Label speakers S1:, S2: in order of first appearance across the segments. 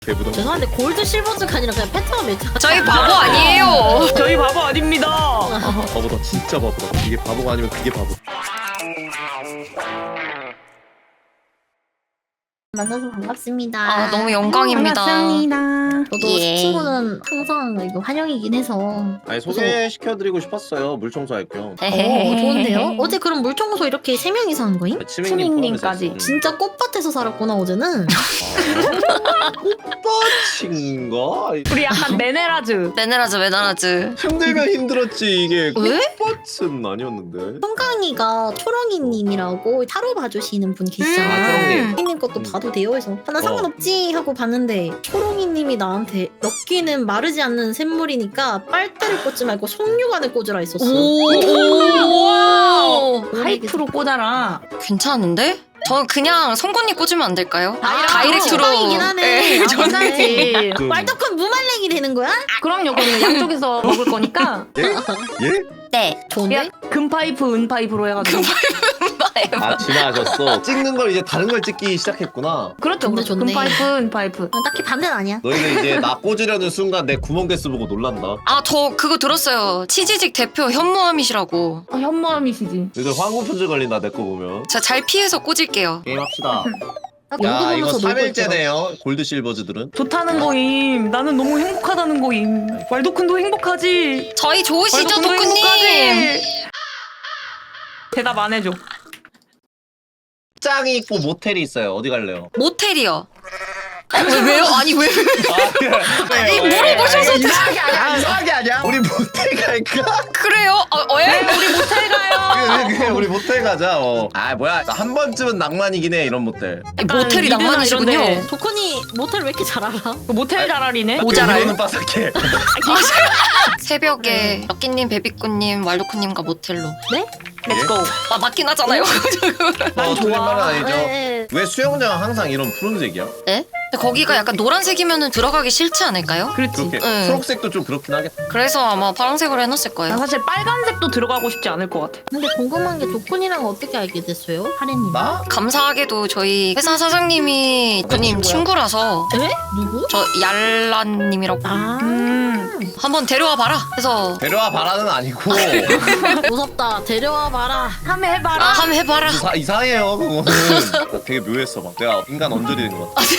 S1: 개부담.
S2: 죄송한데 골드 실버즈가 아니라 그냥 패턴 매트.
S3: 저희 바보 아니에요.
S4: 저희 바보 아닙니다.
S1: 바보다 진짜 바보다. 이게 바보가 아니면 그게 바보.
S2: 만나서 반갑습니다.
S3: 아 너무 영광입니다.
S4: 반갑습니다.
S2: 저도
S3: 예.
S2: 친구는 항상 이거 환영이긴 해서.
S1: 아니 소개시켜드리고 싶었어요. 물 청소할 겸.
S2: 좋은데요? 어제 그럼 물청소 이렇게 3명이서 한 거임?
S4: 치밍님까지.
S2: 진짜 꽃밭에서 살았구나 어제는.
S1: 꽃밭인가?
S4: 우리 약간 메네라즈.
S3: 메네라즈.
S1: 힘들면 힘들었지 이게
S3: 왜?
S1: 꽃밭은 아니었는데.
S2: 송강이가 초롱이님이라고 타로 봐주시는 분 계시잖아.
S1: 아, 초롱님.
S2: 초롱님 것도 봐도 돼요 해서 나 상관없지 하고 봤는데 초롱이님이 나한테 럭키는 마르지 않는 샘물이니까 빨대를 꽂지 말고 속류관을 꽂으라 했었어.
S3: 오.
S4: 하이프로 꽂아라.
S3: 괜찮은데? 저 그냥 송곳니 꽂으면 안 될까요? 다이렉트로.
S2: 이긴 하네.
S3: 네, 저는
S4: 괜찮지.
S2: 말떡한 무말랭이 되는 거야?
S4: 그럼요. 그러면 양쪽에서 먹을 거니까.
S1: 예?
S3: 네.
S2: 좋은데?
S4: 금파이프, 은파이프로 해가지고.
S1: 아 진화하셨어. 찍는 걸 이제 다른 걸 찍기 시작했구나.
S4: 그렇죠.
S2: 좋네, 좋네.
S4: 금파이프, 은파이프.
S2: 딱히 반대는 아니야.
S1: 너희는 이제 나 꽂으려는 순간 내 구멍 개수 보고 놀란다.
S3: 아 저 그거 들었어요. 치지직 대표 현무암이시라고.
S4: 현모함이시지.
S1: 너희들 황금 품질 걸린다 내 거 보면.
S3: 제가 잘 피해서 꽂을게요.
S1: 게임합시다.
S2: 나
S1: 야
S2: 농구
S1: 이거
S2: 보면서 놀고 있더라.
S1: 3일째네요. 골드 실버즈들은.
S4: 좋다는 거임. 나는 너무 행복하다는 거임. 왈도쿤도 행복하지.
S3: 저희 좋으시죠,
S4: 왈도쿤도
S3: 도쿠님?
S4: 행복하지. 대답 안 해줘.
S1: 짱이 있고 모텔이 있어요. 어디 갈래요?
S3: 모텔이요. 왜요? 아니 왜?
S1: 아니
S3: 물어보셔서
S1: 이상하게 아니야. 이상하게 아니야. 우리 모텔 갈까?
S3: 그래요? 예?
S4: 우리 모텔 가요.
S1: 그래 우리 모텔 가자. 아 뭐야 한 번쯤은 낭만이긴 해 이런 모텔.
S3: 모텔이
S4: 미드나
S3: 낭만이시군요.
S4: 이런데.
S2: 도코니 모텔 왜 이렇게 잘 알아?
S4: 모텔 자랄이네.
S3: 모자라요?
S1: 는 빠삭해.
S3: 새벽에 럭키님, 베비꾸님, 왈도쿠님과 모텔로.
S2: 네?
S4: 렛츠고.
S3: 아 맞긴 하잖아요.
S4: 난
S1: 틀린
S4: 좋아.
S1: 말은 아니죠.
S2: 네.
S1: 왜 수영장 항상 이런 푸른색이야?
S3: 네? 근데 거기가 약간 노란색이면 들어가기 싫지 않을까요?
S4: 그렇지.
S1: 그렇게
S3: 네.
S1: 초록색도 좀 그렇긴 하겠다.
S3: 그래서 아마 파란색으로 해놨을
S4: 난
S3: 거예요.
S4: 사실 빨간색도 들어가고 싶지 않을 것 같아.
S2: 근데 궁금한 게 도코니랑 어떻게 알게 됐어요? 하래님.
S1: 나?
S3: 감사하게도 저희 회사 사장님이 도쿠님 친구라서
S2: 에? 누구?
S3: 저 얄란님이라고
S2: 아.
S3: 한번 데려와 봐라 해서
S1: 데려와 바라는 아니고
S2: 무섭다. 데려와 봐라.
S4: 한번 해봐라.
S3: 아 한번 해봐라.
S1: 이상해요 그거는. 되게 묘했어 막. 내가 인간 언저리 된 것 같아.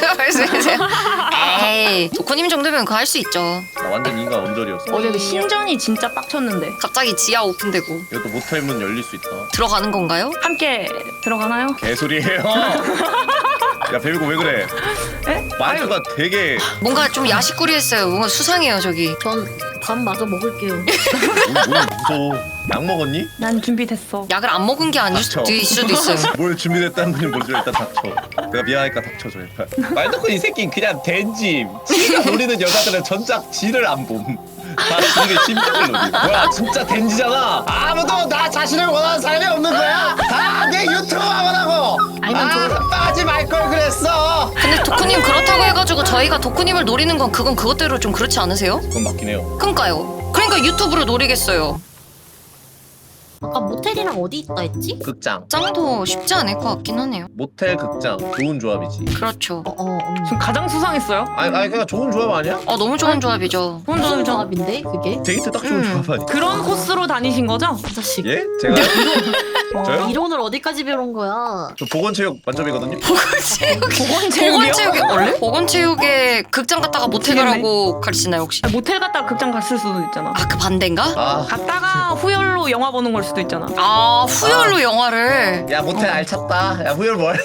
S3: 에이 도쿠님 정도면 그거 할 수 있죠.
S1: 나 완전 인간 언저리였어.
S4: 어제 그 신전이 진짜 빡쳤는데.
S3: 갑자기 지하 오픈되고
S1: 이것도 모텔 문 열릴 수 있다.
S3: 들어가는 건가요?
S4: 함께 들어가나요?
S1: 개소리예요. 야 베비고 왜 그래?
S4: 에?
S1: 말투가 되게
S3: 뭔가 좀 야식거리했어요. 뭔가 수상해요 저기.
S2: 전 밥 마저 먹을게요.
S1: 뭘 무서워. 약 먹었니?
S4: 난 준비됐어.
S3: 약을 안 먹은 게 아닐
S1: 닥쳐.
S3: 수도 있어요.
S1: 뭘 준비됐다는 분이 뭔지 일단 닥쳐. 내가 미안하니까 닥쳐줘 일단. 말도코 이 새끼는 그냥 댄짐. 지가 노리는 여자들은 전작 지를 안 봄. 다 지를 심장을 노리. 뭐야 진짜 댄지잖아. 아무도 나 자신을 원하는 사람이 없는 거야. 다 내 유튜버만 하고. 빠지 말 걸 그랬어.
S3: 근데 도쿠님 그렇다고 해가지고 저희가 도쿠님을 노리는 건 그건 그것대로 좀 그렇지 않으세요?
S1: 그건 맞긴 해요.
S3: 그러니까요. 그러니까 유튜브로 노리겠어요.
S2: 아까 모텔이랑 어디 있다 했지?
S1: 극장.
S3: 짱도 쉽지 않을 것 같긴 하네요.
S1: 모텔 극장 좋은 조합이지.
S3: 그렇죠.
S4: 지금 가장 수상했어요.
S1: 아니 그냥 좋은 조합 아니야?
S3: 너무 좋은 조합이죠.
S2: 무슨 조합인데 그게?
S1: 데이트 딱 좋은 조합 아니야?
S4: 그런 코스로 다니신 거죠?
S2: 이 자식.
S1: 예? 제가 저요?
S2: 이론을 어디까지 배운 거야?
S1: 저 보건체육 만점이거든요.
S3: 보건체육에 원래? 보건체육에 극장 갔다가 모텔 가라고 가르치나요 혹시?
S4: 모텔 갔다가 극장 갔을 수도 있잖아.
S3: 아 그 반대인가?
S1: 아,
S4: 갔다가 후열로 영화 보는 걸 수도 있잖아.
S3: 아 후열로 영화를.
S1: 야 모텔 알찼다. 야 후열 뭘?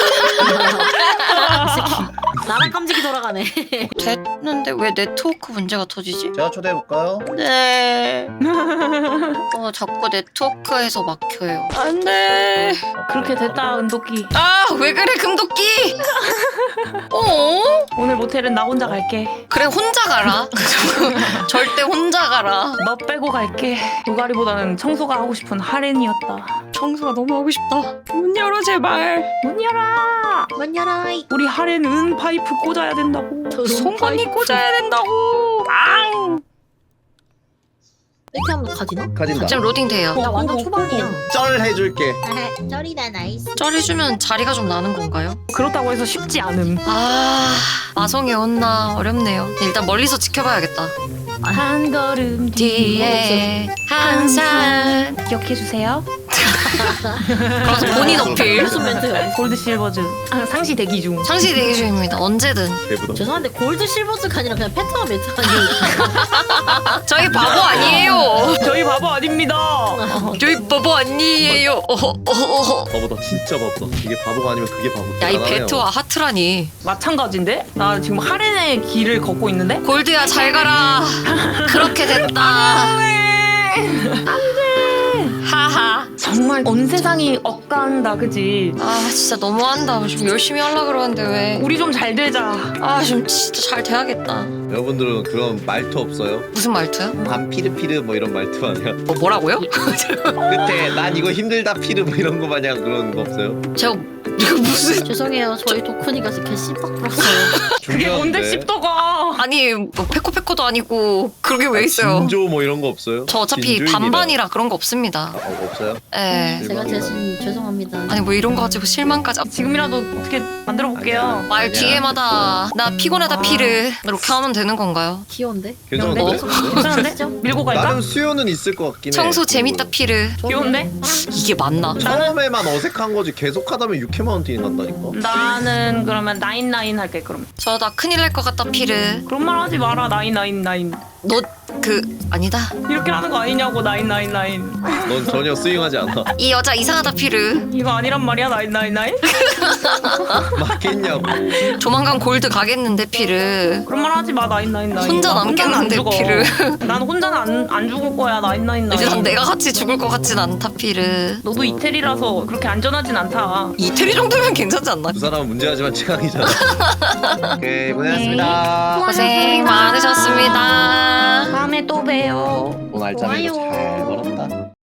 S2: 나랑 깜찍이 돌아가네.
S3: 됐는데 왜 네트워크 문제가 터지지?
S1: 제가 초대해 볼까요?
S3: 네. 자꾸 네트워크에서 막혀요. 안돼.
S4: 그렇게 됐다 은도끼.
S3: 아 왜 그래 금도끼?
S4: 오늘 모텔은 나 혼자 갈게.
S3: 그래 혼자 가라. 절대 혼자 가라.
S4: 너 빼고 갈게. 노가리보다는 청소가 하고 싶은 하렌이었다.
S3: 청소가 너무 하고 싶다. 문 열어 제발.
S4: 문 열어.
S2: 문 열어이.
S4: 우리 하렌은 파이프 꽂아야 된다고.
S3: 송곳니 꽂아야 된다고. 앙.
S2: 이렇게 하면 가지나?
S1: 가진다.
S3: 지금 로딩 돼요.
S2: 나 완전 초반이야.
S1: 쩔 해줄게.
S2: 쩔이다 나이스.
S3: 쩔해주면 자리가 좀 나는 건가요?
S4: 그렇다고 해서 쉽지 않음.
S3: 아 마성이 온나 어렵네요. 일단 멀리서 지켜봐야겠다.
S4: 한 걸음
S3: 뒤에 항상
S4: 기억해 주세요.
S3: 그래서 본인 어필.
S2: 무슨 멘트야?
S4: 골드 실버즈. 상시 대기 중.
S3: 상시 대기 중입니다. 언제든.
S1: 개부담.
S2: 죄송한데 골드 실버즈가 아니라 그냥 패턴 멘트 아니에요?
S3: 저희 바보 아니에요.
S4: 저희 바보 아닙니다.
S3: 저희 바보 아니에요.
S1: 바보다 진짜 바보다. 이게 바보가 아니면 그게 바보다.
S3: 야 이 베트와 하트라니.
S4: 마찬가지인데? 나 지금 하렌의 길을 걷고 있는데?
S3: 골드야 잘 가라. 그렇게 됐다. 하하.
S4: 정말 온 세상이 억간다, 그지?
S3: 아 진짜 너무한다. 좀 열심히 하려 그러는데 왜?
S4: 우리 좀 잘 되자.
S3: 아 좀 진짜 잘 돼야겠다.
S1: 여러분들은 그런 말투 없어요?
S3: 무슨 말투야?
S1: 반 피르피르 뭐 이런 말투 아니야?
S3: 뭐라고요?
S1: 그때 난 이거 힘들다 피르 뭐 이런 거 마냥 그런 거 없어요?
S3: 제가 이거 무슨
S2: 죄송해요. 저희 도쿠니가 개 씹박 불었어요.
S4: 그게 뭔데
S1: 중요한데.
S4: 씹더가.
S3: 아니 뭐 페코페코도 아니고 그런 게 왜 있어요?
S1: 진조 뭐 이런 거 없어요?
S3: 저 어차피
S1: 진주인이라.
S3: 반반이라 그런 거 없습니다.
S1: 없어요?
S3: 예.
S2: 제가 대신 죄송합니다.
S3: 아니 뭐 이런 거 가지고 실망까지.
S4: 지금이라도 어떻게 만들어 볼게요.
S3: 말 뒤에마다 나 피곤하다 피르 이렇게 하면 되는 건가요?
S2: 귀여운데?
S1: 괜찮은데?
S3: 어?
S4: 괜찮은데? 밀고 갈까?
S1: 나름 수요는 있을 것 같긴 해.
S3: 청소 재밌다 피르.
S4: 귀여운데?
S3: 이게 맞나?
S1: 처음에만 어색한 거지 계속 하다면 6회만 헌팅이 간다니까.
S4: 나는 그러면 나인 할게 그럼.
S3: 저 나 큰일 날 것 같다 피르.
S4: 그런 말 하지 마라 나인.
S3: 너 그 아니다.
S4: 이렇게 하는 거 아니냐고 나인.
S1: 넌 전혀 스윙하지 않아.
S3: 이 여자 이상하다 피르.
S4: 이거 아니란 말이야 나인.
S1: 맞겠냐고.
S3: 조만간 골드 가겠는데 피르.
S4: 그런 말 하지 마 나인.
S3: 혼자
S4: 나 혼자는 안
S3: 남겠는데,
S4: 죽어.
S3: 피를.
S4: 난 혼자는 안 죽을 거야 나인.
S3: 일단 내가 같이 죽을 것 같진 않다 피르.
S4: 너도 이태리라서 그렇게 안전하진 않다.
S3: 이태리 정도면 괜찮지 않나?
S1: 두 사람은 문제하지만 최강이잖아. 오케이 고생하셨습니다.
S3: 고생 많으셨습니다.
S4: 다음에 또 봬요.
S1: 오늘 알짜배기
S2: 좋아요.
S1: 잘 벌었다.